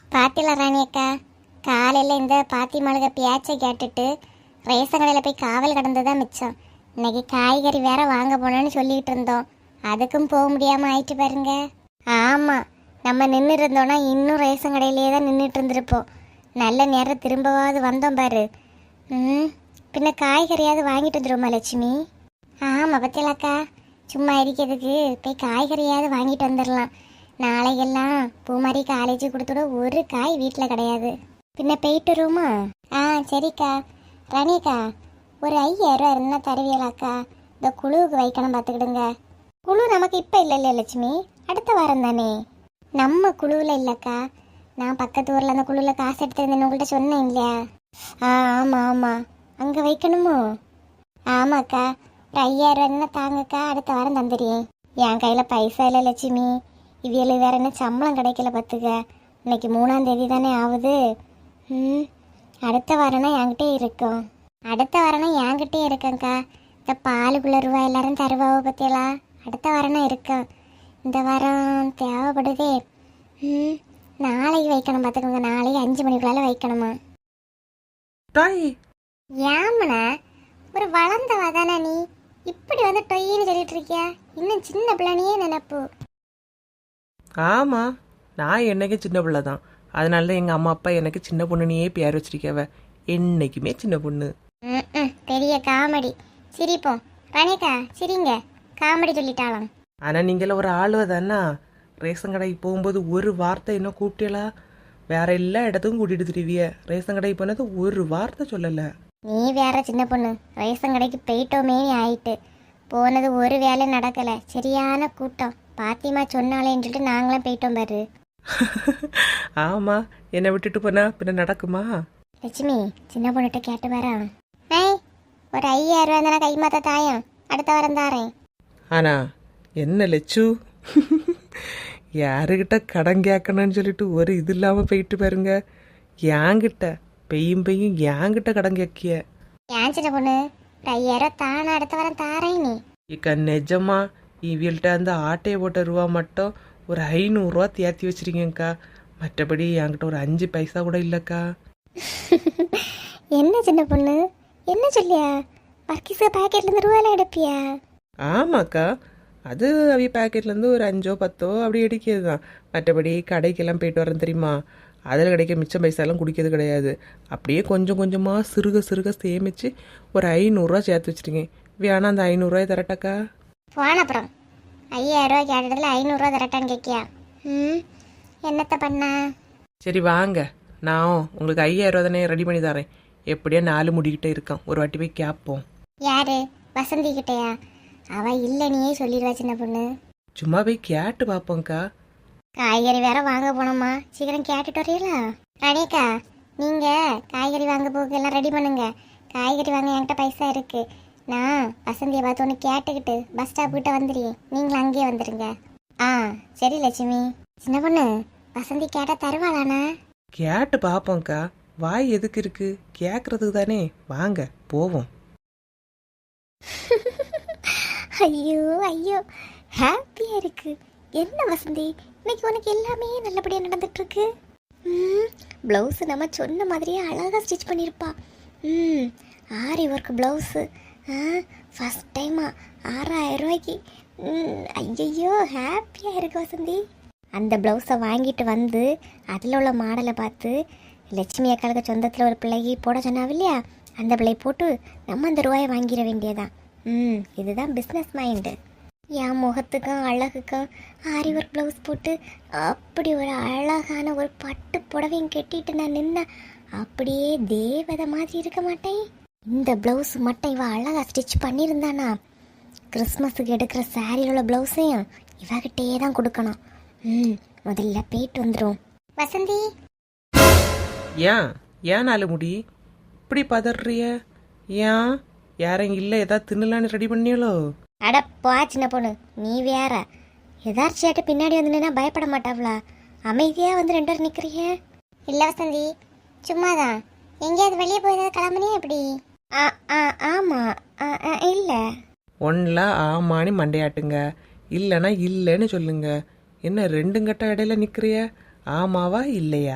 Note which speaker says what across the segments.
Speaker 1: பாத்தில ராணி அக்கா, காலையில் இந்த பாத்தி மழுக பேச்சை கேட்டுட்டு ரேஷன் கடையில் போய் காவல் கடந்ததான் மிச்சம். இன்னைக்கு காய்கறி வேற வாங்க போனோன்னு சொல்லிட்டு இருந்தோம். அதுக்கும் போக முடியாமல் ஆயிட்டு பாருங்க. ஆமாம், நம்ம நின்று இருந்தோன்னா இன்னும் ரேஷன் கடையிலேயே தான் நின்றுட்டு இருந்திருப்போம். நல்ல நேரம் திரும்பவாவது வந்தோம் பாரு. பின்ன காய்கறியாவது வாங்கிட்டு வந்துடுவோமா லட்சுமி? ஆமாம் பத்தியலாக்கா, சும்மா இருக்கிறதுக்கு போய் காய்கறியாவது வாங்கிட்டு வந்துடலாம். நாளைக்கெல்லாம் பூமாரி காலேஜ் கொடுத்துட ஒரு காய் வீட்டில் கிடையாது. பின்ன போயிட்டு வருமா? சரிக்கா. ரணிக்கா, ஒரு 5000 இருந்தால் தருவியலாக்கா? இந்த குழுவுக்கு வைக்கணும், பார்த்துக்கிடுங்க. குழு நமக்கு இப்போ இல்லை லட்சுமி, அடுத்த வாரம் தானே. நம்ம குழுவில் இல்லைக்கா, நான் பக்கத்து ஊரில் அந்த குழுவில் காசு எடுத்துருந்தேன்னு உங்கள்கிட்ட சொன்னேன் இல்லையா? ஆமாம் ஆமாம், அங்கே வைக்கணுமோ? ஆமாக்கா, ஒரு 5000 இருந்தால் தாங்கக்கா, அடுத்த வாரம் தந்துடுறேன். என் கையில் பைசா இல்லை லட்சுமி. இவியல் வேற என்ன சம்பளம் கிடைக்கல பார்த்துக்க. இன்னைக்கு 3ஆம் தேதி தானே ஆகுது. அடுத்த வாரம்னா என்கிட்டே இருக்கும். அடுத்த வாரம்னா என்கிட்டே இருக்கேங்க்கா. இந்த பாலுக்குள்ள ரூபா எல்லாரும் தருவாவோ பற்றியலாம். அடுத்த வாரம்னா இருக்கும். இந்த வாரம் தேவைப்படுதே. நாளைக்கு வைக்கணும் பார்த்துக்கோங்க. நாளைக்கு 5 மணிக்குள்ளால வைக்கணுமா? ஏமனா, ஒரு வளர்ந்தவா தானே நீ, இப்படி வந்து டொய்ன்னு சொல்லிட்டு இருக்கியா? இன்னும் சின்ன பிள்ளைனியே நினைப்பு.
Speaker 2: ஆமாம், நான் என்னைக்கு சின்ன பிள்ளை தான். அதனால தான் எங்கள் அம்மா அப்பா எனக்கு சின்ன பொண்ணுனையே பேர் வச்சிருக்கவ. என்னைக்குமே சின்ன பொண்ணு.
Speaker 1: பெரிய காமெடி. சிரிப்போம். ரணிகா சிரிங்க, காமெடி சொல்லிட்டாலாம்.
Speaker 2: ஆனால் நீங்கள ஒரு ஆளுவ தானா? ரேஷன் கடைக்கு போகும்போது ஒரு வார்த்தை என்ன கூப்பிட்டீங்களா? வேற எல்லா இடத்துக்கும் கூட்டிட்டு திருவிய. ரேஷன் கடைக்கு போனது ஒரு வார்த்தை சொல்லலை.
Speaker 1: நீ வேற சின்ன பொண்ணு. ரேஷன் கடைக்கு போயிட்டோமே ஆயிட்டு போனது ஒரு வேலை நடக்கலை. சரியான கூட்டம். பாத்திமா சொன்னாலேன்னு சொல்லிட்டு நாங்களும் போயிட்டோம் பாரு.
Speaker 2: ஆமாம், என்னை விட்டுட்டு போனா பின்ன நடக்குமா?
Speaker 1: லட்சுமி, சின்ன பொண்ணுகிட்ட கேட்டு வரா. ஒரு 5000 தானே கை மாத்த தாயம், அடுத்த வாரம் தாரேன்.
Speaker 2: ஆனா என்ன லட்சு, யாருக்கிட்ட கடன் கேட்கணும்னு சொல்லிட்டு ஒரு இது இல்லாமல் போயிட்டு பாருங்க. என்கிட்ட பெய்யும் என்கிட்ட கடன் கேட்கிய.
Speaker 1: ஏன் சின்ன பொண்ணு, ஒரு 5000 தானே அடுத்த வாரம் தாரேன். நீ
Speaker 2: இக்க நிஜமா இவள்கிட்ட அந்த ஆட்டையை போட்ட ரூபா மட்டும் ஒரு 500 ரூபா தேர்த்தி வச்சிருக்கேங்க்கா. மற்றபடி என்கிட்ட ஒரு 5 பைசா கூட இல்லைக்கா.
Speaker 1: என்ன சின்ன பொண்ணு, என்ன சொல்லியா? வர்க்கீஸ் பேக்கெட்லேருந்து ரூபாயெல்லாம் எடுப்பியா?
Speaker 2: ஆமாக்கா, அது அவைய பேக்கெட்லேருந்து ஒரு 5ஓ 10ஓ அப்படி அடிக்கிறது தான். மற்றபடி கடைக்கெல்லாம் போயிட்டு வரேன் தெரியுமா, அதில் கிடைக்க மிச்சம் பைசாலாம் குடிக்கிறது கிடையாது. அப்படியே கொஞ்சம் கொஞ்சமாக சிறுக சேமித்து ஒரு 500 ரூபா சேர்த்து வச்சுருக்கேன். வேணா அந்த 500 ரூபாய் தரட்டாக்கா?
Speaker 1: போன அப்புறம் 5000 ரூபா கேட்டதில் 500 ரூபா தரட்டான்னு கேட்கியா? என்னத்த பண்ணா?
Speaker 2: சரி வாங்க, நான் உங்களுக்கு 5000 ரூபா தானே ரெடி பண்ணி தரேன். எப்படியா 4 முடிக்கிட்டே இருக்கான், ஒரு வாட்டி போய் கேட்போம்.
Speaker 1: யாரு? வசந்தி கிட்டையா? அவ இல்லைனியே சொல்லிடுவா சின்ன பொண்ணு.
Speaker 2: சும்மா போய் கேட்டு பார்ப்போங்க்கா.
Speaker 1: காய்கறி வேற வாங்க போனோமா, சீக்கிரம் கேட்டுட்டு வரீங்களா? ரணிகா, நீங்க காய்கறி வாங்க போக எல்லாம் ரெடி பண்ணுங்க. காய்கறி வாங்க என்கிட்ட பைசா இருக்கு. நான் வசந்தியை பார்த்து ஒன்று கேட்டுக்கிட்டு பஸ் ஸ்டாப் கிட்ட வந்துடுறேன். நீங்களும் அங்கேயே வந்துடுங்க. சரி லட்சுமி. சின்ன பொண்ணு, வசந்தி கேட்டா தருவாளானா?
Speaker 2: கேட்டு பார்ப்போங்க்கா. வாய் எதுக்கு இருக்கு, கேட்கறதுக்கு தானே. வாங்க போவோம்.
Speaker 1: ஐயோ ஐயோ, ஹாப்பியா இருக்கு. என்ன வசந்தி, இன்னைக்கு உனக்கு எல்லாமே நல்லபடியாக நடந்துட்டு இருக்கு. ப்ளவுஸு நம்ம சொன்ன மாதிரியே அழகாக ஸ்டிச் பண்ணியிருப்பா. ஆரி ஒர்க் ப்ளவுஸு, ஃபஸ்ட் டைமா 6000 ரூபாய்க்கு. ஐயோ ஹாப்பியாக இருக்கு வசந்தி. அந்த ப்ளவுஸை வாங்கிட்டு வந்து அதில் உள்ள மாடலை பார்த்து லட்சுமி அக்காளுக்கு சொந்தத்தில் ஒரு பிள்ளைக்கு போட சொன்னாவ இல்லையா, அந்த பிள்ளை போட்டு நம்ம அந்த ரூபாயை வாங்கிட வேண்டியதான். இதுதான் பிஸ்னஸ் மைண்டு. என் முகத்துக்கும் அழகுக்கும் ஆரி ஒர்க் ப்ளவுஸ் போட்டு அப்படி ஒரு அழகான ஒரு பட்டு புடவையும் கட்டிட்டு நான் நின்ன அப்படியே தேவதை மாதிரி இருக்க மாட்டேன். இந்த ப்ளவுஸ் மட்டும் இவ அழகாக ஸ்டிச் பண்ணியிருந்தானா, கிறிஸ்மஸுக்கு எடுக்கிற சாரியில் உள்ள ப்ளவுஸையும் இவகிட்டே தான் கொடுக்கணும். முதல்ல போயிட்டு வந்துடும். வசந்தி,
Speaker 2: ஏன் 4 முடி இப்படி பதறிய? ஏன் யாரும் இல்லை, ஏதாவது தின்னலான்னு ரெடி பண்ணியாலோ?
Speaker 1: அடப்பா சின்ன பொண்ணு, நீ வேற. எதார்ச்சியாட்டு பின்னாடி வந்து நின்னா பயப்பட மாட்டாவளா? அமைதியா வந்து 2 பேரும் நிக்கிறீங்க. இல்ல வசந்தி, சும்மாதான். எங்கேயாவது வெளியே போய் கிளம்புனே எப்படி? ஆமா, இல்ல.
Speaker 2: ஒன்ல ஆமான்னு மண்டையாட்டுங்க, இல்லைன்னா இல்லைன்னு சொல்லுங்க. என்ன 2 கட்ட இடையில நிக்கிறிய? ஆமாவா இல்லையா?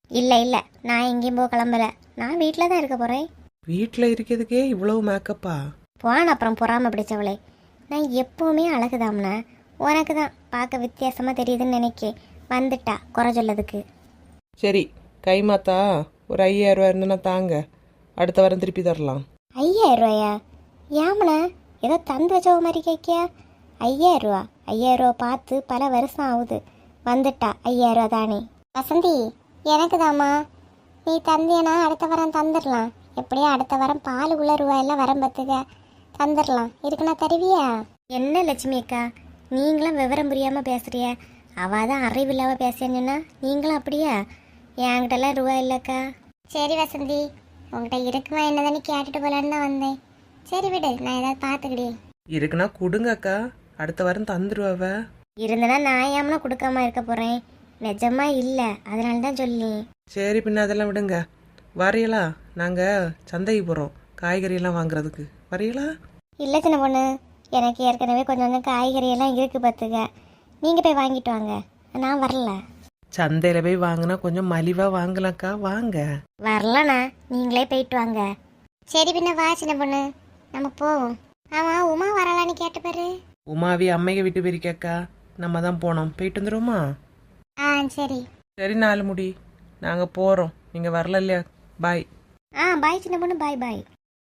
Speaker 1: இல்லை இல்லை, நான் எங்கேயும் போக கிளம்பல. நான் வீட்டில் தான் இருக்க போகிறேன்.
Speaker 2: வீட்டில் இருக்கிறதுக்கே இவ்வளவு மேக்கப்பா?
Speaker 1: போன அப்புறம் பொறாம பிடிச்சவளே. நான் எப்போவுமே அழகுதாம்னா, உனக்கு தான் பார்க்க வித்தியாசமாக தெரியுதுன்னு நினைக்கே. வந்துட்டா குறை சொல்லதுக்கு.
Speaker 2: சரி, கைமாத்தா ஒரு 5000 ரூபா இருந்ததுன்னா தாங்க, அடுத்த வாரம் திருப்பி தரலாம்.
Speaker 1: 5000 ரூபாயா? ஏமண்ணா ஏதோ தந்து வச்சவ மாதிரி கேட்கியா? 5000 ரூபா? 5000 ரூபா பார்த்து பல வருஷம் ஆகுது. வந்துட்டா 5000 ரூபா தானே. வசந்தி, எனக்கு தாம்மா. நீ தந்தியனா அடுத்த வாரம் தந்துடலாம். எப்படியும் அடுத்த வாரம் பாலுக்குள்ள ரூபாயெல்லாம் வரம் பத்துக்க தந்துடலாம். இருக்குன்னா தருவியா? என்ன லட்சுமி அக்கா, நீங்களும் விவரம் புரியாமல் பேசுறிய. அவள் தான் அறிவில்லாமல் பேசுறேன்னா நீங்களும் அப்படியா? என்கிட்டலாம் ரூபா இல்லைக்கா. சரி வசந்தி, உங்கள்கிட்ட இருக்குமா என்னதானே கேட்டுட்டு போலான்னு தான் வந்தேன். சரி விடு, நான் ஏதாவது பார்த்துக்கிட்டேன்.
Speaker 2: இருக்குன்னா கொடுங்க அக்கா, அடுத்த வாரம் தந்துடுவாவ.
Speaker 1: இருந்தனா நான் ஏம்னா கொடுக்காம இருக்க போகிறேன். நிஜமா இல்லை, அதனால தான் சொல்லி.
Speaker 2: சரி, பின்ன அதெல்லாம் விடுங்க. வரையலா, நாங்கள் சந்தைக்கு போகிறோம் காய்கறியெல்லாம் வாங்குறதுக்கு. வரையலா?
Speaker 1: இல்லை சின்ன பொண்ணு, எனக்கு ஏற்கனவே கொஞ்சம் கொஞ்சம் காய்கறி எல்லாம் இருக்கு பார்த்துக்க. நீங்கள் போய் வாங்கிட்டு வாங்க, நான் வரல.
Speaker 2: சந்தையில் போய் வாங்கினா கொஞ்சம் மலிவாக வாங்கலாம்க்கா, வாங்க.
Speaker 1: வரலண்ணா, நீங்களே போயிட்டு வாங்க. சரி பின்ன வா சின்ன பொண்ணு, நம்ம போவோம். ஆமாம், உமா வரலான்னு கேட்டு பாரு.
Speaker 2: உமாவி அம்மையை விட்டு போயிருக்கேக்கா, நம்ம தான் போனோம். போயிட்டு வந்துடுவோமா?
Speaker 1: ஆ சரி.
Speaker 2: சரி, 4 முடி, நாங்கள் போகிறோம். நீங்கள் வரல இல்லையா? பாய்.
Speaker 1: பாய் சின்ன பொண்ணு, பாய் பாய்.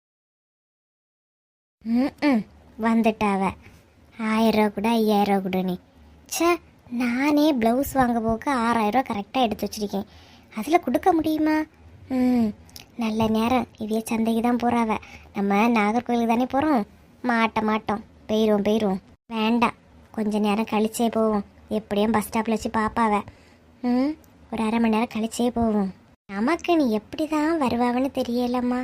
Speaker 1: ம் வந்துட்டாவ. 1000 ரூபா கூட 5000 ரூபா கூட. நீ சே, நானே ப்ளவுஸ் வாங்க போக 6000 ரூபா கரெக்டாக எடுத்து வச்சிருக்கேன். அதில் கொடுக்க முடியுமா? நல்ல நேரம் இவைய சந்தைக்கு தான் போகிறாவ. நம்ம நாகர்கோயிலுக்கு தானே போகிறோம். மாட்டோம், போயிடுவோம். வேண்டாம், கொஞ்ச நேரம் கழிச்சே போவோம். எப்படியும் பஸ் ஸ்டாப்பில் வச்சு பாப்பாவ. ஒரு அரை மணி நேரம் கழிச்சே போவோம். நமக்கு நீ எப்படி தான் வருவாவன்னு தெரியலம்மா.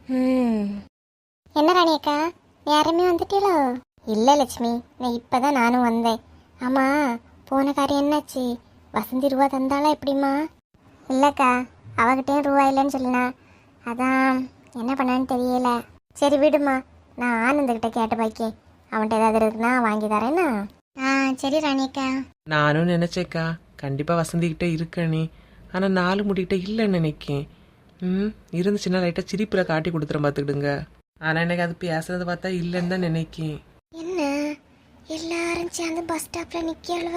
Speaker 1: என்ன ராணியக்கா, யாருமே வந்துட்டீங்களோ? இல்லை லட்சுமி, நான் இப்போ தான் நானும் வந்தேன். ஆமாம், போன காரியம் என்னாச்சு? வசந்தி ரூபா தந்தாளா எப்படிம்மா? இல்லைக்கா, அவகிட்டேயும் ரூபா இல்லைன்னு சொல்லினா. அதான் என்ன பண்ணான்னு தெரியல. சரி விடுமா, நான் ஆனந்தக்கிட்ட கேட்டு பாக்கேன். அவன்கிட்ட ஏதாவது இருக்குன்னா வாங்கி தரேன்னா. சரி ராணியக்கா.
Speaker 2: நானும் நினச்சேக்கா கண்டிப்பாக வசந்திக்கிட்ட இருக்கணே, ஆனால் 4 முடிக்கிட்ட இல்லைன்னு நினைக்கேன். இருந்துச்சுன்னா லைட்டாக சிரிப்பில் காட்டி கொடுத்துறேன் பார்த்துக்கிடுங்க. ஆனால் எனக்கு அது பேசுறதை பார்த்தா இல்லைன்னு தான் நினைக்கேன்.
Speaker 1: என்ன எல்லாரும் சேர்ந்து பஸ் ஸ்டாப்ல நிக்கழுவ?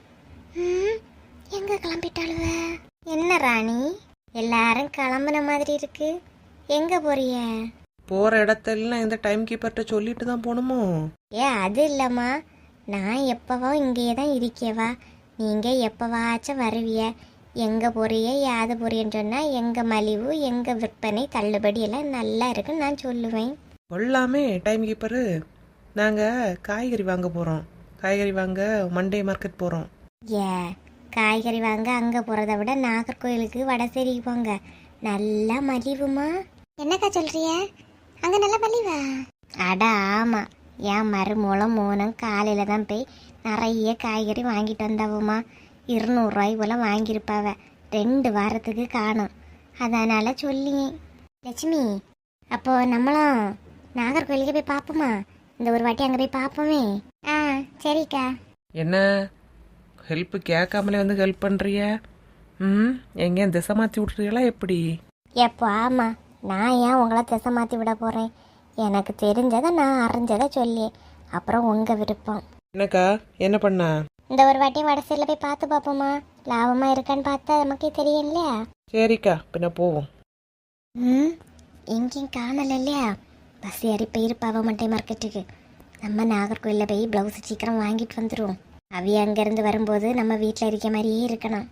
Speaker 1: எங்க கிளம்பிட்டாளுவ? என்ன ராணி, எல்லாரும் கிளம்புன மாதிரி இருக்கு. எங்க போறிய?
Speaker 2: போகிற இடத்தெல்லாம் இந்த டைம் கீப்பர்கிட்ட சொல்லிட்டு தான் போகணுமோ?
Speaker 1: அது இல்லம்மா, நான் எப்பவோ இங்கேயே தான் இருக்கேவா. நீங்க எப்பவாச்சும் வருவிய. எங்க போறிய யாது போறியன்னு சொன்னா எங்க மலிவு, எங்க விற்பனை, தள்ளுபடி எல்லாம் நல்லா இருக்குன்னு நான் சொல்லுவேன்.
Speaker 2: கொள்ளாமே டைம் கீப்பரு. நாங்கள் காய்கறி வாங்க போகிறோம். காய்கறி வாங்க மண்டே மார்க்கெட் போகிறோம்.
Speaker 1: காய்கறி வாங்க அங்கே போகிறத விட நாகர்கோயிலுக்கு வடசேரிக்கு போங்க, நல்லா மலிவுமா. என்னக்கா சொல்றிய? அங்கே நல்லா மலிவா? அட ஆமாம், என் மறுமூலம் மூலம் காலையில் தான் போய் நிறைய காய்கறி வாங்கிட்டு வந்தாவுமா. 200 ரூபாய் போல் வாங்கியிருப்பாவ. 2 வாரத்துக்கு காணும். அதனால் சொல்லியேன். லட்சுமி, அப்போ நம்மளும் நாகர்கோயிலுக்கு போய் பார்ப்போமா? இந்த ஒரு வாட்டி அங்கே போய் பார்ப்போமே. சரிக்கா.
Speaker 2: என்ன ஹெல்ப்பு கேட்காமலே வந்து ஹெல்ப் பண்ணுறிய? எங்கேயும் திசை மாற்றி விட்றீங்களா எப்படி?
Speaker 1: எப்போ ஆமாம், நான் ஏன் உங்களை திசை மாற்றி விட போகிறேன்? எனக்கு தெரிஞ்சதை நான் அறிஞ்சதை சொல்லி, அப்புறம் உங்கள் விருப்பம்.
Speaker 2: என்னக்கா, என்ன பண்ண?
Speaker 1: இந்த ஒரு வாட்டி வடசையில் போய் பார்த்து பார்ப்போமா? லாபமாக இருக்கான்னு பார்த்தா நமக்கே தெரியும் இல்லையா?
Speaker 2: சரிக்கா, பின்ன போவோம்.
Speaker 1: எங்கேயும் காணல இல்லையா? பஸ் ஏறி போயிருப்பாவ மண்டே மார்க்கெட்டுக்கு. நம்ம நாகர்கோயிலில் போய் ப்ளவுஸ் சீக்கிரம் வாங்கிட்டு வந்துடுவோம். அவைய அங்கேருந்து வரும்போது நம்ம வீட்டில் இருக்க மாதிரியே இருக்கணும்.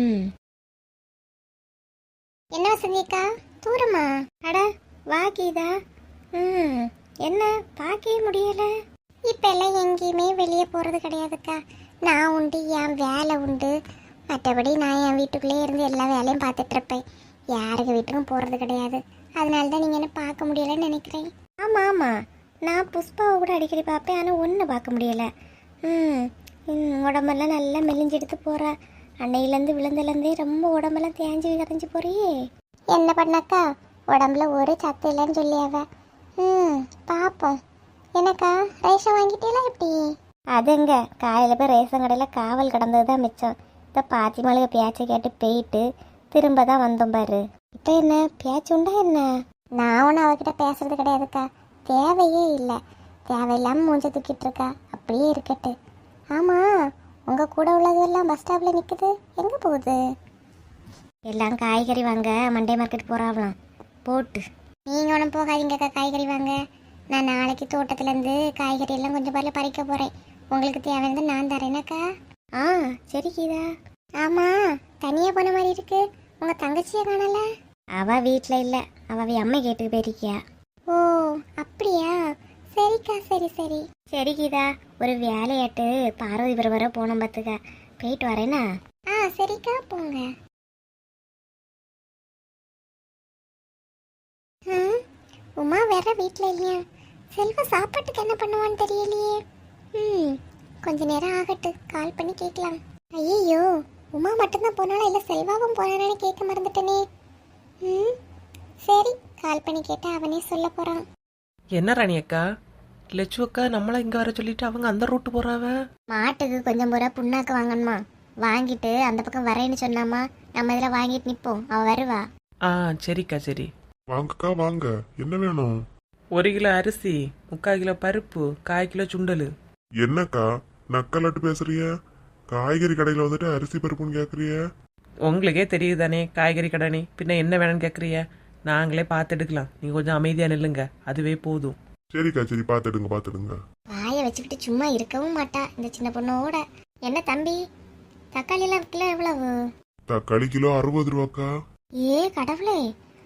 Speaker 1: என்ன வசந்திக்கா, தூரமா? அட வா கீதா. என்ன பார்க்கவே முடியல. இப்போ எல்லாம் எங்கேயுமே வெளியே போகிறது கிடையாதுக்கா. நான் உண்டு, என் வேலை உண்டு. மற்றபடி நான் என் வீட்டுக்குள்ளேயே இருந்து எல்லா வேலையும் பார்த்துட்டு இருப்பேன். யாருக்கு வீட்டுக்கும் போகிறது கிடையாது. அதனால தான் நீங்கள் என்ன பார்க்க முடியலைன்னு நினைக்கிறேன். ஆமாம், நான் புஷ்பாவை கூட அடிக்கடி பார்ப்பேன், ஆனால் ஒன்று பார்க்க முடியலை. உடம்பெல்லாம் நல்லா மெலிஞ்செடுத்து போகிறா. அன்னையிலேருந்து விழுந்துலேருந்தே ரொம்ப உடம்பெல்லாம் தேஞ்சு கரைஞ்சி போறியே. என்ன பண்ணாக்கா, உடம்புல ஒரு சத்து இல்லைன்னு சொல்லியாவ. பார்ப்போம். என்னக்கா, ரேஷன் வாங்கிட்டீங்களா எப்படி? அதுங்க காலையில் போய் ரேஷன் கடையில் காவல் கிடந்தது தான் மிச்சம். இந்த பாத்தி மளிகை பேச்சை கேட்டு போயிட்டு திரும்ப தான் வந்தோம் பாரு. இப்போ என்ன பேச்சு உண்டா என்ன? நான் ஒன்றும் அவகிட்ட பேசுறது கிடையாதுக்கா, தேவையே இல்லை. தேவையில்லாமல் மூஞ்ச தூக்கிட்டு இருக்கா, அப்படியே இருக்கட்டு. ஆமாம், உங்கள் கூட உள்ளதெல்லாம் பஸ் ஸ்டாப்பில் நிற்குது, எங்கே போகுது? எல்லாம் காய்கறி வாங்க மண்டே மார்க்கெட் போகிறாங்களாம் போட்டு. நீங்கள் ஒன்றும் போகாதீங்கக்கா காய்கறி வாங்க. நான் நாளைக்கு தோட்டத்துலேருந்து காய்கறி எல்லாம் கொஞ்சம் பாரில் பறிக்க போகிறேன். உங்களுக்கு தேவையானது நான் தரேனாக்கா. ஆ சரி கீதா. ஆமாம், தனியாக போன மாதிரி இருக்கு, உங்கள் தங்கச்சியை காணல? அவள் வீட்டில் இல்லை, அவள் அம்மை கேட்டுக்கு போயிருக்கியா. ஓ அப்படியா, சரிக்கா, சரி சரி சரி கீதா. ஒரு வேலையாட்டு பார்வதிபுரம் வர போனோம் பார்த்துக்க, போயிட்டு வரேனா? ஆ சரிக்கா, போங்க. ம், உமா வேற வீட்டில் இல்லையா? செல்வா சாப்பாட்டுக்கு என்ன பண்ணுவான்னு தெரியலையே. கொஞ்ச நேரம் ஆகட்டு, கால் பண்ணி கேட்கலாம். ஐயோ, உமா மட்டும்தான் போனாலும் இல்லை செல்வாவும் போனானு கேட்க மறந்துட்டனே. சரி, கால் பண்ணி கேட்டா அவனே சொல்ல போறான்.
Speaker 2: என்ன ராணி அக்கா, லட்சு அக்கா நம்மளை இங்கே வர சொல்லிட்டு அவங்க அந்த ரூட்டு போறாவ.
Speaker 1: மாட்டுக்கு கொஞ்சம் பூரா புண்ணாக்கு வாங்கணுமா, வாங்கிட்டு அந்த பக்கம் வரேன்னு சொன்னாமா, நம்ம இதில் வாங்கிட்டு நிற்போம், அவ வருவா.
Speaker 2: ஆ சரிக்கா, சரி.
Speaker 3: வாங்கக்கா வாங்க, என்ன வேணும்?
Speaker 2: 1 கிலோ அரிசி, 3/4 கிலோ பருப்பு, 1/4 கிலோ சுண்டல்.
Speaker 3: என்னக்கா நக்கலாட்டு பேசுறிய? காய்கறி கடையில வந்துட்டு அரிசி பருப்புன்னு கேக்குறிய?
Speaker 2: உங்களுக்கே தெரியுது தானே காய்கறி கடைனே, பின்ன என்ன வேணும்னு கேட்குறிய? நாங்களே பார்த்து எடுக்கலாம், நீங்கள் கொஞ்சம் அமைதியாக நில்லுங்க, அதுவே போதும்.
Speaker 3: சரிக்கா, சரி பாத்துடுங்க பாத்துடுங்க.
Speaker 1: வாயை வச்சுக்கிட்டு சும்மா இருக்கவும் மாட்டா இந்த சின்ன பொண்ணோட. என்ன தம்பி, தக்காளி எல்லாம் கிலோ எவ்வளவு?
Speaker 3: தக்காளி கிலோ 60 ரூபாக்கா.
Speaker 1: ஏ கடவுளே,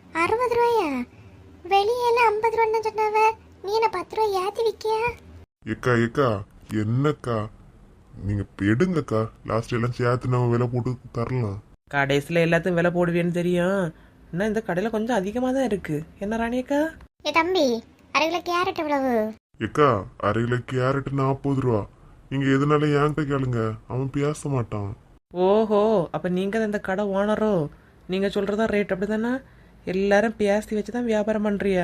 Speaker 1: 60 ரூபாயா? வெளியே எல்லாம் 50 ரூபான்னு சொன்னாவ, நீ என்ன 10 ரூபாய் ஏத்தி விக்கியா?
Speaker 3: ஏக்கா ஏக்கா, என்னக்கா நீங்க எடுங்கக்கா, லாஸ்ட் எல்லாம் சேர்த்து நம்ம விலை போட்டு தரலாம்.
Speaker 2: கடைசியில் எல்லாத்தையும் விலை போடுவேன்னு தெரியும், இன்னும் இந்த கடையில் கொஞ்சம் அதிகமாக தான் இருக்கு. என்ன ராணியக்கா?
Speaker 1: ஏ தம்பி, 1/2 கிலோ கேரட் எவ்வளவு?
Speaker 3: ஏக்கா 1/2 கிலோ கேரட் 40 ரூபா. நீங்க எதனால என்கிட்ட கேளுங்க, அவன் பேச மாட்டான்.
Speaker 2: ஓஹோ, அப்போ நீங்கள் தான் இந்த கடை ஓனரோ? நீங்கள் சொல்கிறதா ரேட் அப்படி தானே? எல்லாரும் பேசி வச்சு தான் வியாபாரம் பண்ணுறிய.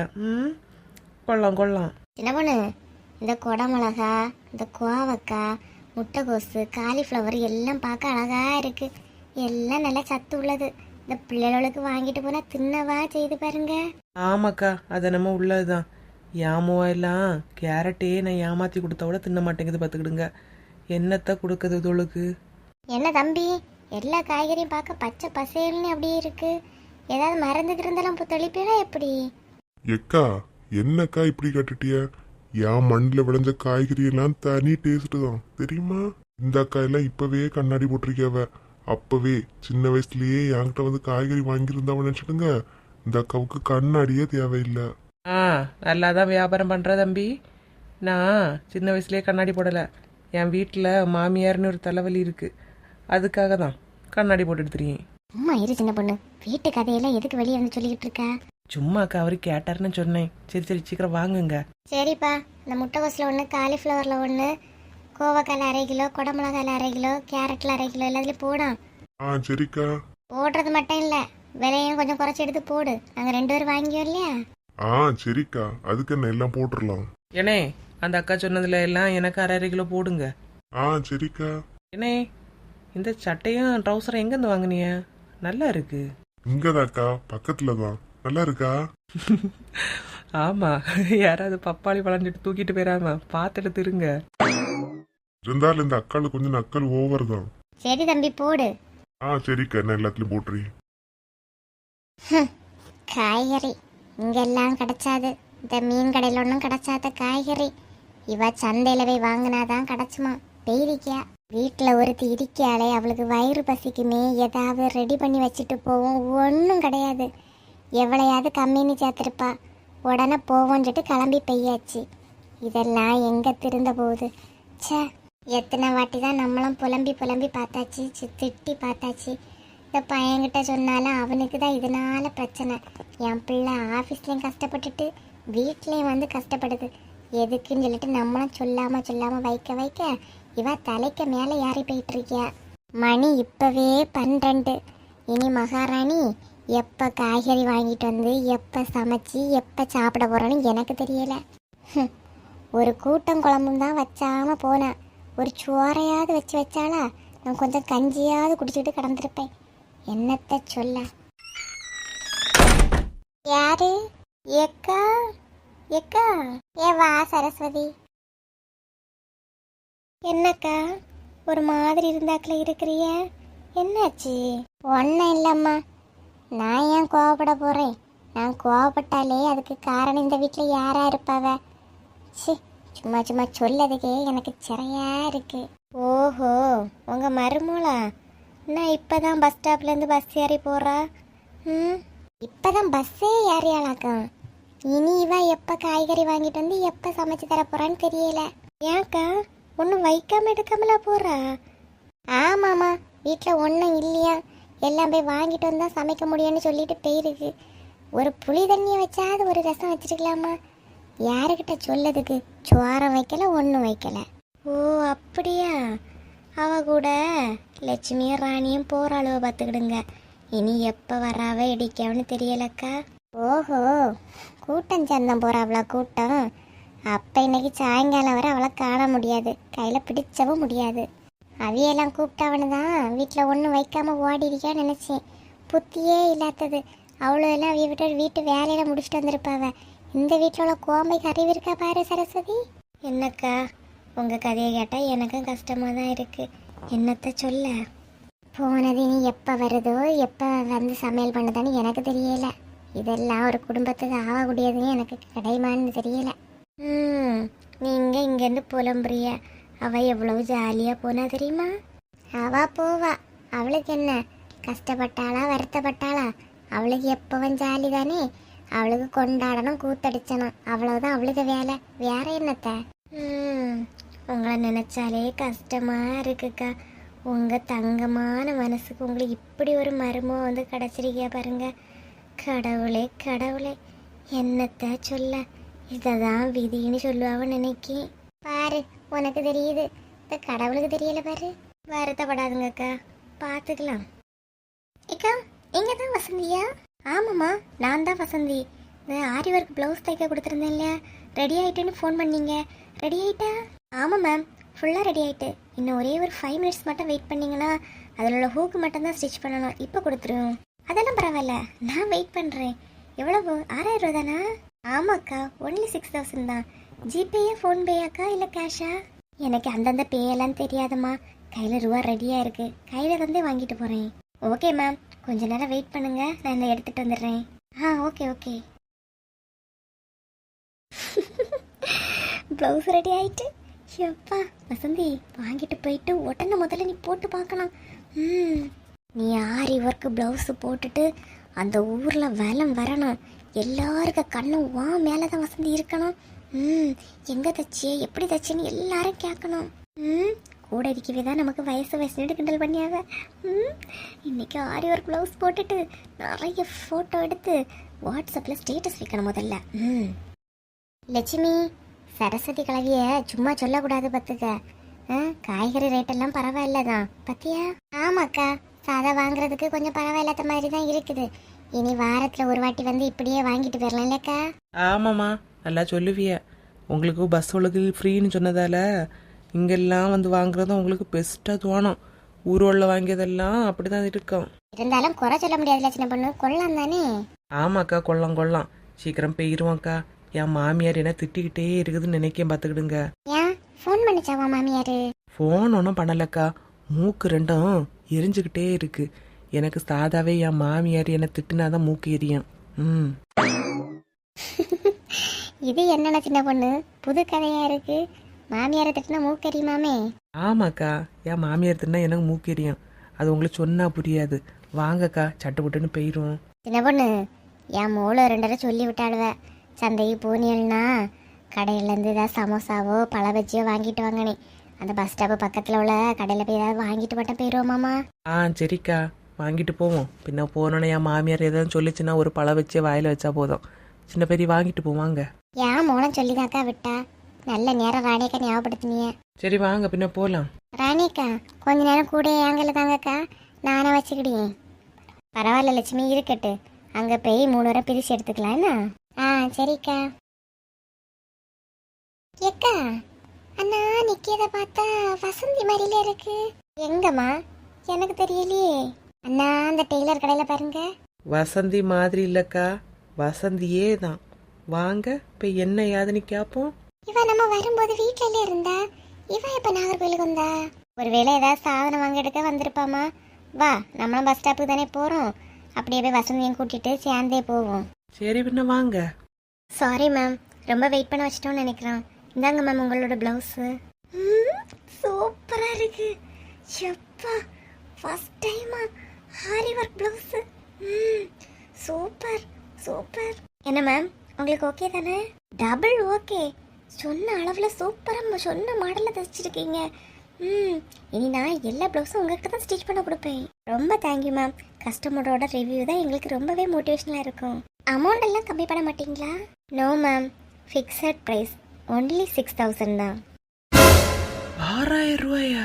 Speaker 2: கொள்ளலாம் கொள்ளலாம்.
Speaker 1: சின்ன பொண்ணு, இந்த கொடமிளகா, இந்த கோவக்காய், முட்டைகோசு, காலிஃப்ளவர் எல்லாம் பார்க்க அழகா இருக்கு, எல்லாம் நல்லா சத்து உள்ளது. இந்த பிள்ளைகளுக்கு வாங்கிட்டு போனா தின்னவா செய்து பாருங்க.
Speaker 2: ஆமாக்கா, அது நம்ம உள்ளதுதான். ஏமோவா எல்லாம் கேரட்டே நான் ஏமாற்றி கொடுத்தா கூட தின்ன மாட்டேங்குது, பார்த்துக்கிடுங்க. என்னத்தை கொடுக்குது தொழுக்கு?
Speaker 1: என்ன தம்பி, எல்லா காய்கறியும் பார்க்க பச்சை பசேல்னு அப்படியே இருக்கு, ஏதாவது மறந்துட்டு இருந்தாலும் தெளிப்பீடா எப்படி?
Speaker 3: ஏக்கா என்னக்கா இப்படி கட்டுட்டிய? என் மண்ணில் விளைஞ்ச காய்கறி எல்லாம் தனி டேஸ்ட் தான் தெரியுமா? இந்த அக்கா எல்லாம் இப்பவே கண்ணாடி போட்டிருக்கவ, அப்பவே சின்ன வயசுலயே என்கிட்ட வந்து காய்கறி வாங்கியிருந்தாவ நினைச்சிடுங்க, இந்த அக்காவுக்கு கண்ணாடியே தேவையில்லை.
Speaker 2: நல்லா தான் வியாபாரம் பண்ணுற தம்பி. நான் சின்ன வயசுலேயே கண்ணாடி போடலை, என் வீட்டில் மாமியார்னு ஒரு தலைவலி இருக்குது, அதுக்காக தான் கண்ணாடி போட்டு எடுத்துருக்கேன்.
Speaker 1: அம்மா இரு சின்ன பொண்ணு, வீட்டு கதையெல்லாம் எதுக்கு வெளியே வந்து சொல்லிக்கிட்டு இருக்கா?
Speaker 2: சும்மாக்கா அவரு கேட்டாருன்னு சொன்னேன். சரி சரி சீக்கிரம் வாங்குங்க.
Speaker 1: சரிப்பா, இந்த முட்டைகோஸில் 1, காலிஃப்ளவரில் 1, கோவக்காயில் 1/2 கிலோ, குடமிளகாயில் 1/2 கிலோ, கேரட்டில் 1/2 கிலோ எல்லாத்துலேயும் போடும்.
Speaker 3: சரிக்கா.
Speaker 1: போடுறது மட்டும் இல்லை, விலையும் கொஞ்சம் குறைச்சி எடுத்து போடு, நாங்கள் 2 பேரும் வாங்கியோம் இல்லையா?
Speaker 3: சரிக்கா, அதுக்கு என்ன எல்லாம் போட்டுடலாம்.
Speaker 2: ஏனே, அந்த அக்கா சொன்னதுல எல்லாம் எனக்கு 1/2 கிலோ போடுங்க.
Speaker 3: சரிக்கா.
Speaker 2: ஏனே, இந்த சட்டையும் ட்ரௌசரும் எங்கேருந்து வாங்கினிய? நல்லா இருக்கு.
Speaker 3: இங்கதாக்கா, பக்கத்துல தான். நல்லா இருக்கா?
Speaker 2: ஆமா, யாராவது பப்பாளி வளைஞ்சிட்டு தூக்கிட்டு போயிடாம பார்த்துட்டு திருங்க.
Speaker 3: இருந்தாலும் இந்த அக்காளுக்கு கொஞ்சம் நக்கல் ஓவர் தான்.
Speaker 1: சரி தம்பி போடு.
Speaker 3: சரிக்கா, என்ன எல்லாத்துலயும் போட்டுறீ.
Speaker 1: காய்கறி இங்கெல்லாம் கிடைச்சாது, இந்த மீன் கடையில் ஒன்றும் கிடைச்சாத காய்கறி இவ சந்தையில போய் வாங்கினாதான் கிடைச்சுமா. பெய்திக்கா வீட்டில் ஒருத்தி இருக்கியாலே, அவளுக்கு வயிறு பசிக்குமே, ஏதாவது ரெடி பண்ணி வச்சுட்டு போவோம், ஒன்றும் கிடையாது. எவ்வளையாவது கம்மின்னு சேர்த்துருப்பா, உடனே போவோன்னு சொல்லிட்டு கிளம்பி பெய்யாச்சு. இதெல்லாம் எங்கே திருந்த போகுது? சே, எத்தனை வாட்டி தான் நம்மளும் புலம்பி புலம்பி பார்த்தாச்சு, திட்டி பார்த்தாச்சு. இந்த பையன்கிட்ட சொன்னாலும் அவனுக்கு தான் இதனால பிரச்சனை. என் பிள்ளை ஆஃபீஸ்லேயும் கஷ்டப்பட்டுட்டு வீட்லேயும் வந்து கஷ்டப்படுது. எதுக்குன்னு சொல்லிட்டு நம்மளும் சொல்லாமல் வைக்க வைக்க இவ தலைக்கு மேலே ஏறி போயிட்டு இருக்கியா. மணி இப்போவே 12. இனி மகாராணி எப்போ காய்கறி வாங்கிட்டு வந்து எப்போ சமைச்சி எப்போ சாப்பிட போகிறோன்னு எனக்கு தெரியலை. ஒரு கூட்டம் குழம்பும் தான் வச்சாமல் போனேன், ஒரு சோறையாவது வச்சு வச்சாலா நான் கொஞ்சம் கஞ்சியாவது குடிச்சிட்டு கிடந்திருப்பேன். என்னத்த சொல்ல. யாரு? எக்கா எக்கா. ஏ வா சரஸ்வதி. என்னக்கா ஒரு மாதிரி இருந்தாக்கல இருக்கிறிய, என்னாச்சு? ஒன்றும் இல்லைம்மா. நான் ஏன் கோவப்பட போகிறேன்? நான் கோவப்பட்டாலே அதுக்கு காரணம் இந்த வீட்டில் யாரா இருப்பாவ? சி, சும்மா சும்மா சொல்லதுக்கே எனக்கு சிறையா இருக்கு. ஓஹோ, உங்கள் மருமூளா? நான் இப்போ தான் பஸ் ஸ்டாப்லேருந்து பஸ் ஏறி போகிறா. இப்போ தான் பஸ்ஸே ஏறியாளாக்கம். இனி இவ எப்போ காய்கறி வாங்கிட்டு வந்து எப்போ சமைச்சு தர போகிறான்னு தெரியல. ஏன்க்கா ஒன்றும் வைக்காம எடுக்காமலா போகிறா? ஆமாம்மா, வீட்டில் ஒன்றும் இல்லையா, எல்லாம் போய் வாங்கிட்டு வந்தால் சமைக்க முடியும்னு சொல்லிட்டு போயிருக்கு. ஒரு புளி தண்ணியை வச்சாது ஒரு ரசம் வச்சிருக்கலாமா? யாருக்கிட்ட சொல்லதுக்கு? சோரம் வைக்கல, ஒன்றும் வைக்கல. ஓ அப்படியா? அவ கூட லட்சுமியும் ராணியும் போகிற அளவு பார்த்துக்கிடுங்க. இனி எப்போ வராவ இடிக்கவன்னு தெரியலக்கா. ஓஹோ, கூட்டம் சந்தம் போகிறாவளா கூட்டம்? அப்போ இன்னைக்கு சாயங்காலம் வரை அவளை காண முடியாது, கையில் பிடிச்சவும் முடியாது. அவையெல்லாம் கூப்பிட்டவனு தான் வீட்டில் ஒன்றும் வைக்காமல் ஓடி இருக்கான்னு நினச்சேன். புத்தியே இல்லாதது. அவ்வளோ எல்லாம் அவைய விட்டு வீட்டு வேலையில் முடிச்சுட்டு வந்திருப்பாவ. இந்த வீட்டில் உள்ள கோம்பைக்கு அறிவு இருக்கா பாரு சரஸ்வதி. என்னக்கா உங்கள் கதையை கேட்டால் எனக்கும் கஷ்டமாக தான் இருக்குது. என்னத்த சொல்ல? போனது இனி எப்போ வருதோ, எப்போ வந்து சமையல் பண்ணுதான்னு எனக்கு தெரியல. இதெல்லாம் ஒரு குடும்பத்துக்கு ஆகக்கூடியதுன்னு எனக்கு கிடைமான்னு தெரியல. நீங்கள் இங்கேருந்து புலம்புறிய. அவள் எவ்வளவு ஜாலியாக போனா தெரியுமா? அவள் போவா, அவளுக்கு என்ன? கஷ்டப்பட்டாளா வருத்தப்பட்டாளா? அவளுக்கு எப்பவும் ஜாலி தானே. அவளுக்கு கொண்டாடணும், கூத்தடிச்சணும், அவ்வளவுதான் அவளுக்கு வேலை. வேற என்னத்த? உங்களை நினைச்சாலே கஷ்டமா இருக்குக்கா. உங்கள் தங்கமான மனசுக்கு உங்களுக்கு இப்படி ஒரு மருமம் வந்து கிடச்சிருக்கியா பாருங்க. கடவுளே கடவுளே, என்னத்த சொல்ல. இதை தான் விதின்னு சொல்லுவான்னு நினைக்கேன். பாரு, உனக்கு தெரியுது, இந்த கடவுளுக்கு தெரியல பாரு. வருத்தப்படாதுங்கக்கா, பார்த்துக்கலாம். ஏக்கா, எங்க தான் வசந்தியா? ஆமாம்மா, நான் தான் வசந்தி. இந்த ஆரி ஒர்க் ப்ளவுஸ் தைக்க கொடுத்துருந்தேன் இல்லையா, ரெடி ஆகிட்டுன்னு ஃபோன் பண்ணீங்க. ரெடி ஆகிட்டா? ஆமாம் மேம், ஃபுல்லாக ரெடி ஆகிட்டு. இன்னும் ஒரே ஒரு 5 மினிட்ஸ் மட்டும் வெயிட் பண்ணிங்கன்னா அதில் உள்ள ஹூக்கு மட்டும் தான் ஸ்டிச் பண்ணணும். இப்போ கொடுத்துருவோம். அதெல்லாம் பரவாயில்ல, நான் வெயிட் பண்ணுறேன். எவ்வளவு? 6000 ரூபா தானா? ஆமாக்கா, ஒன்லி 6000 தான். ஜிபேயா ஃபோன்பேயாக்கா இல்லை கேஷா? எனக்கு அந்தந்த பேயெல்லாம் தெரியாதம்மா. கையில் ரூபா ரெடியாக இருக்குது, கையில் தந்தே வாங்கிட்டு போகிறேன். ஓகே மேம், கொஞ்ச நேரம் வெயிட் பண்ணுங்க, நான் இந்த எடுத்துகிட்டு வந்துடுறேன். Okay okay. ப்ளவுஸ் ரெடி ஆயிட்டு. எப்பா வசந்தி, வாங்கிட்டு போயிட்டு உடனே முதல்ல நீ போட்டு பார்க்கணும். நீ ஆரி ஒர்க்கு ப்ளவுஸு போட்டுட்டு அந்த ஊரில் வலம் வரணும். எல்லாருக்க கண்ணும் வா மேலே தான் வசந்தி இருக்கணும். எங்கே தச்சியே, எப்படி தச்சேன்னு எல்லாரும் கேட்கணும். கூட இருக்கவே தான் நமக்கு வயசு கிண்டல் பண்ணியாவ. இன்னைக்கு ஆரி ஒர்க் ப்ளவுஸ் போட்டுட்டு நிறைய ஃபோட்டோ எடுத்து வாட்ஸ்அப்பில் ஸ்டேட்டஸ் வைக்கணும் முதல்ல. லட்சுமி, சரஸ்வதி கிழவிய சும்மா சொல்லக்கூடாது பத்துக்க. காய்கறி ரேட்டெல்லாம் பரவாயில்ல தான் பத்தியா? ஆமாக்கா, சாதா வாங்குறதுக்கு கொஞ்சம் பரவாயில்லாத மாதிரி தான் இருக்குது. இனி வாரத்தில் ஒரு வாட்டி வந்து இப்படியே வாங்கிட்டு போயிடலாம் இல்லைக்கா?
Speaker 2: ஆமாம்மா, நல்லா சொல்லுவிய. உங்களுக்கு பஸ் உங்களுக்கு ஃப்ரீன்னு சொன்னதால இங்கெல்லாம் வந்து வாங்குறதும் உங்களுக்கு பெஸ்ட்டாக தோணும். ஊரோளில் வாங்கியதெல்லாம் அப்படி தான் இருக்கும்.
Speaker 1: இருந்தாலும் குறை சொல்ல முடியாதுல்ல சின்ன பொண்ணு, கொள்ளலாம் தானே?
Speaker 2: ஆமாக்கா, கொள்ளலாம். சீக்கிரம் போயிருவோம்க்கா. என் மாமியார் என்ன திட்டிக்கிட்டே இருக்குதுன்னு நினைக்கேன், பார்த்துக்கிடுங்க.
Speaker 1: ஏன் ஃபோன் பண்ணிச்சாவா மாமியார்?
Speaker 2: ஃபோன் ஒன்றும் பண்ணலக்கா, மூக்கு ரெண்டும் எரிஞ்சுக்கிட்டே இருக்கு. எனக்கு சாதாவே என் மாமியார் என்ன திட்டுனாதான் மூக்கு எரியும்.
Speaker 1: இது என்னென்ன சின்ன பொண்ணு, புது கதையா இருக்கு. மாமியாரை திட்டினா மூக்கு எரியுமாமே?
Speaker 2: ஆமாக்கா, என் மாமியார் திட்டினா எனக்கு மூக்கு எரியும். அது உங்களுக்கு சொன்னா புரியாது. வாங்கக்கா, சட்டு புட்டுன்னு போயிடும்.
Speaker 1: சின்ன பொண்ணு, என் மூளை 2 சொல்லி விட்டாளுவ. சந்தைக்கு போனியல்னா கடையிலேருந்து ஏதாவது சமோசாவோ பழ பஜ்ஜியோ வாங்கிட்டு வாங்கனே. அந்த பஸ் ஸ்டாப்பு பக்கத்தில் உள்ள கடையில் போய் ஏதாவது வாங்கிட்டு மட்டும் போயிடுவோமாம்மா?
Speaker 2: சரிக்கா, வாங்கிட்டு போவோம். பின்ன போனோன்னே என் மாமியார் ஏதாவது சொல்லிச்சுன்னா ஒரு பழ வச்சு வாயில் வச்சா போதும். சின்ன பெரிய வாங்கிட்டு போவாங்க.
Speaker 1: ஏன் மூலம் சொல்லிதாக்கா விட்டா? நல்ல நேரம் ராணியக்கா ஞாபகப்படுத்தினிய.
Speaker 2: சரி வாங்க, பின்ன போகலாம்.
Speaker 1: ராணியக்கா, கொஞ்ச நேரம் கூட ஏங்கல தாங்கக்கா, நானே வச்சுக்கிட்டேன். பரவாயில்ல லட்சுமி, இருக்கட்டு. அங்கே போய் 3 வரை பிரித்து எடுத்துக்கலாம் என்ன? சரிக்கா. ஏக்கா, அண்ணா நிக்கிறத பார்த்தா வசந்தி மாதிரில இருக்கு. எங்கம்மா? எனக்கு தெரியலையே. அண்ணா அந்த டெய்லர் கடையில பாருங்க.
Speaker 2: வசந்தி மாதிரி இல்லக்கா, வசந்தியே தான். வாங்க இப்போ என்ன யாதுன்னு கேட்போம்.
Speaker 1: இவ நம்ம வரும்போது வீட்ல இருந்தா, இவ இப்ப நாகர்கோயிலுக்கு வந்தா? ஒருவேளை ஏதாவது சாதனம் வாங்க எடுக்க வந்திருப்பாமா. வா, நம்மளும் பஸ் ஸ்டாப்புக்கு தானே போறோம், அப்படியே போய் வசந்தியும் கூட்டிட்டு சேர்ந்தே போவோம்.
Speaker 2: சரி பின்ன வாங்க.
Speaker 1: சாரி மேம், ரொம்ப வெயிட் பண்ண வச்சிட்டோம்னு நினைக்கிறேன். இந்தாங்க மேம் உங்களோட பிளவுஸு. சூப்பரா இருக்கு. எப்பா ஃபர்ஸ்ட் டைமா aari work blouse. Super super. என்ன மேம் உங்களுக்கு ஓகே தானே? Double okay. சொன்ன அளவில் சூப்பராக சொன்ன மாடலில் தைச்சிருக்கீங்க. இனி நான் எல்லா ப்ளவுஸும் உங்ககிட்ட தான் ஸ்டிச் பண்ண கொடுப்பேன். ரொம்ப தேங்க்யூ மேம். கஸ்டமரோட ரிவ்யூ தான் எங்களுக்கு ரொம்பவே மோட்டிவேஷனாக இருக்கும். அமௌண்ட் எல்லாம் கம்மி பண்ண மாட்டீங்களா? No ma'am, fixed price only 6000 தான்.
Speaker 2: 6000 ரூபாயா?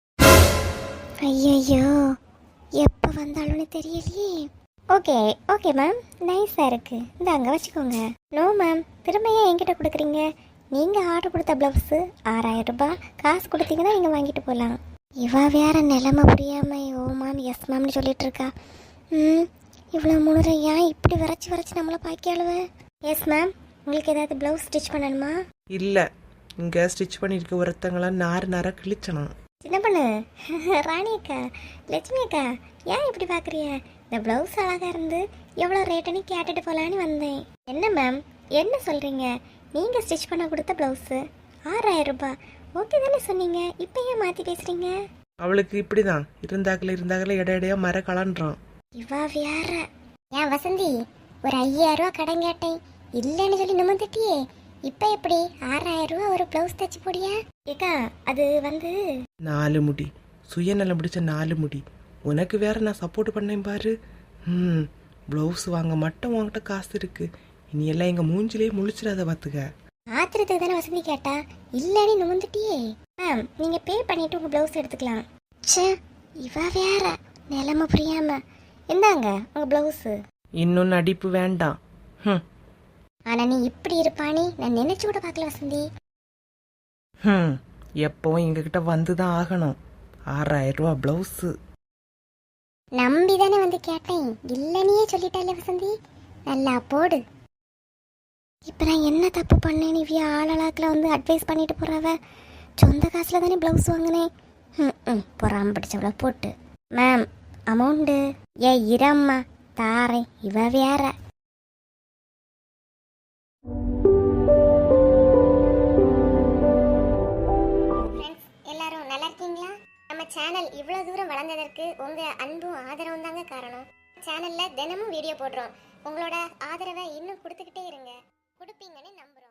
Speaker 1: ஐயோ, எப்போ வந்தாலும்னு தெரியலையே. ஓகே ஓகே மேம், நைஸாக இருக்கு. இந்த அங்கே வச்சுக்கோங்க. நோ மேம், திரும்ப ஏன் என்கிட்ட கொடுக்குறீங்க? நீங்கள் ஆர்டர் கொடுத்த ப்ளவுஸு 6000 ரூபாய். காசு கொடுத்தீங்கன்னா நீங்கள் வாங்கிட்டு போகலாம். இவா வேற நிலைமை புரியாம ஓ மேம் எஸ் மேம்னு சொல்லிட்டு இருக்கா. இவ்வளோ முழுரை ஏன் இப்படி வரைச்சி நம்மளை பாக்கியாளுவ? எஸ் மேம், உங்களுக்கு ஏதாவது ப்ளவுஸ் ஸ்டிச் பண்ணணுமா?
Speaker 2: இல்லை, இங்கே ஸ்டிச் பண்ணியிருக்க ஒருத்தங்களாம் நார கிழிச்சணும்.
Speaker 1: சின்ன பொண்ணு, ராணி அக்கா, லட்சுமி அக்கா, ஏன் இப்படி பார்க்குறிய? இந்த ப்ளவுஸ் அழகாக இருந்து எவ்வளோ ரேட்டுன்னு கேட்டுட்டு போகலான்னு வந்தேன். என்ன மேம் என்ன சொல்கிறீங்க? நீங்கள் ஸ்டிச் பண்ண கொடுத்த ப்ளவுஸு 6000 ரூபாய் ஓகே தானே சொன்னீங்க, இப்போ ஏன் மாற்றி பேசுகிறீங்க?
Speaker 2: அவளுக்கு இப்படி தான் இருந்தாக்கல இடையிடையா மர கலன்றான்.
Speaker 1: இவா வேற. ஏன் வசந்தி, ஒரு 5000 ரூபா கடன் கேட்டேன், இல்லைன்னு சொல்லி நிமிர்ந்துட்டியே. இப்போ எப்படி 6000 ரூபா ஒரு ப்ளவுஸ் தைச்சு போடியா? ஏக்கா அது வந்து
Speaker 2: 4 முடி, சுயநலம் பிடிச்ச 4 முடி. உனக்கு வேற நான் சப்போர்ட் பண்ணேன் பாரு. ப்ளவுஸ் வாங்க மட்டும் உன்கிட்ட காசு இருக்கு. இனி எல்லாம் எங்க மூஞ்சிலே முழிச்சிடாத பாத்துக்க.
Speaker 1: ஆத்திரத்துக்கு தானே வசந்தி கேட்டா, இல்லைன்னு நிமிர்ந்துட்டியே. மேம் நீங்க பே பண்ணிட்டு உங்க ப்ளவுஸ் எடுத்துக்கலாம். ச்சே, இவ வேற நிலைமை புரியாம. இந்தாங்க உங்க ப்ளவுஸ்.
Speaker 2: இன்னும் நடிப்பு வேண்டாம்.
Speaker 1: ஆனா நீ இப்படி இருப்பானே நான் நினைச்சு கூட பார்க்கல வசந்தி.
Speaker 2: எப்பவும் எங்ககிட்ட வந்துதான் ஆகணும். 6000 ரூபா பிளவுஸ்.
Speaker 1: நம்பி தானே வந்து கேட்டேன், இல்லைன்னே சொல்லிட்டாலே வசந்தி. நல்லா போடு. இப்போ நான் என்ன தப்பு பண்ணேன்? இவ்விய ஆளாக்கில் வந்து அட்வைஸ் பண்ணிட்டு போறாவ. சொந்த காசில் தானே ப்ளவுஸ் வாங்கினேன். பொறாம பிடிச்சவள போட்டு. மேம் அமௌண்ட்டு இரம்மா தாரேன். இவ வேற. எல்லாரும் நல்லா இருக்கீங்களா? நம்ம சேனல் இவ்வளோ தூரம் வளர்ந்ததற்கு உங்கள் அன்பும் ஆதரவும் தாங்க காரணம். சேனலில் தினமும் வீடியோ போடுறோம். உங்களோட ஆதரவை இன்னும் கொடுத்துக்கிட்டே இருங்க. கொடுப்பீங்கன்னு நம்புகிறோம்.